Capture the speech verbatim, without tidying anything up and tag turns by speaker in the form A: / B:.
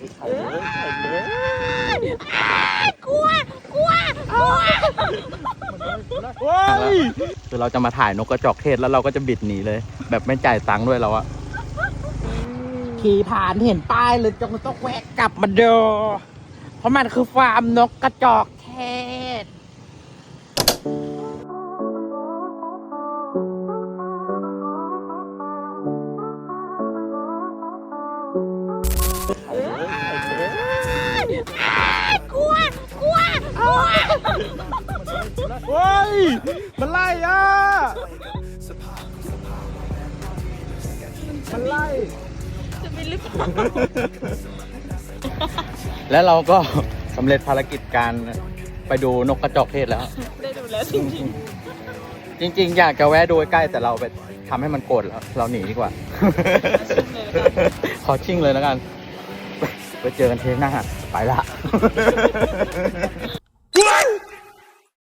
A: กลัวกลัวกลัว
B: คือเราจะมาถ่ายนกกระจอกเทศแล้วเราก็จะบิดหนีเลย แบบไม่จ่ายตังค์ด้วยเราอะขี่ผ่านเห็นป้ายเลยจงต้องแวะกลับมาดูเพราะมันคือฟาร์มนกกระจอกเทศ
A: กลัวกลัวกลัว
B: เฮ้ยมันไล่อ่ะมันไล่
A: จะไม่ลึก
B: แล้วเราก็สำเร็จภารกิจการไปดูนกกระจอกเทศแล้ว
A: ได้ดูแล้วจริง
B: จริงๆ อยากจะแวะดูใกล้แต่เราไปทำให้มันโกรธแล้ว เราหนีดีกว่า ขอชิ่งเลยแล้วกัน ไปเจอกันเทปหน้าไปละ